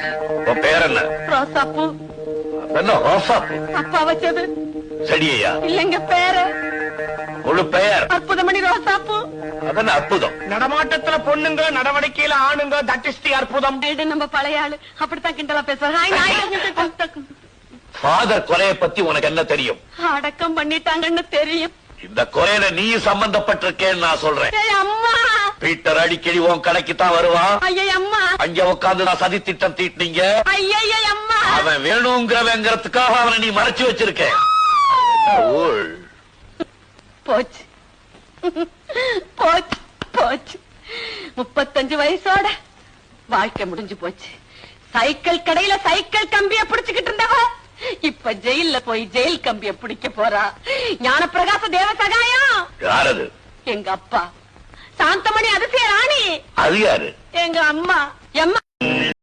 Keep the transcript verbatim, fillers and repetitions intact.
உன் பேர் என்ன? ரோசாப்பூ. என்ன ரோசாப்பூ? அப்பா வச்சது. செடியா? இல்லைங்க, பேரு. முழு பெயர்? அற்புதமணி ரோசாப்பூ. அதன அற்புதம். நடமாட்டத்துல பொண்ணுங்க, நடவடிக்கையில ஆணுங்க, தட் இஸ் தி அற்புதம். நம்ம பழைய ஆளு அப்படித்தான் கிண்டலா பேசுவாங்க. ஃபாதர் கொலையை பத்தி உனக்கு என்ன தெரியும்? அடக்கம் பண்ணிட்டாங்கன்னு தெரியும். இந்த கொலையில நீ சம்பந்தப்பட்டிருக்கேன்னு நான் சொல்றேன். அம்மா, பீட்டர் அடிக்கடி உன் கடைக்கு தான் வருவான். ஐயா அம்மா, அங்க உட்காந்து நான் சதி திட்டம் தீட்டினீங்க. ஐயா அம்மா, அவன் வேணுங்கிறவங்கிறதுக்காக அவனை நீ மறைச்சு வச்சிருக்க. போச்சு போச்சு போச்சு. முப்பத்தஞ்சு வயசோட வாழ்க்கை முடிஞ்சு போச்சு. சைக்கிள் கடையில சைக்கிள் கம்பிய பிடிச்சுக்கிட்டு இருந்தவ இப்ப ஜெயில போய் ஜெயில் கம்பிய பிடிக்க போறா. ஞானப்பிரகாச தேவ சகாயம். யாரது? எங்க அப்பா. சாந்தமணி அதிசய ராணி. அது யாரு? எங்க அம்மா. எம்மா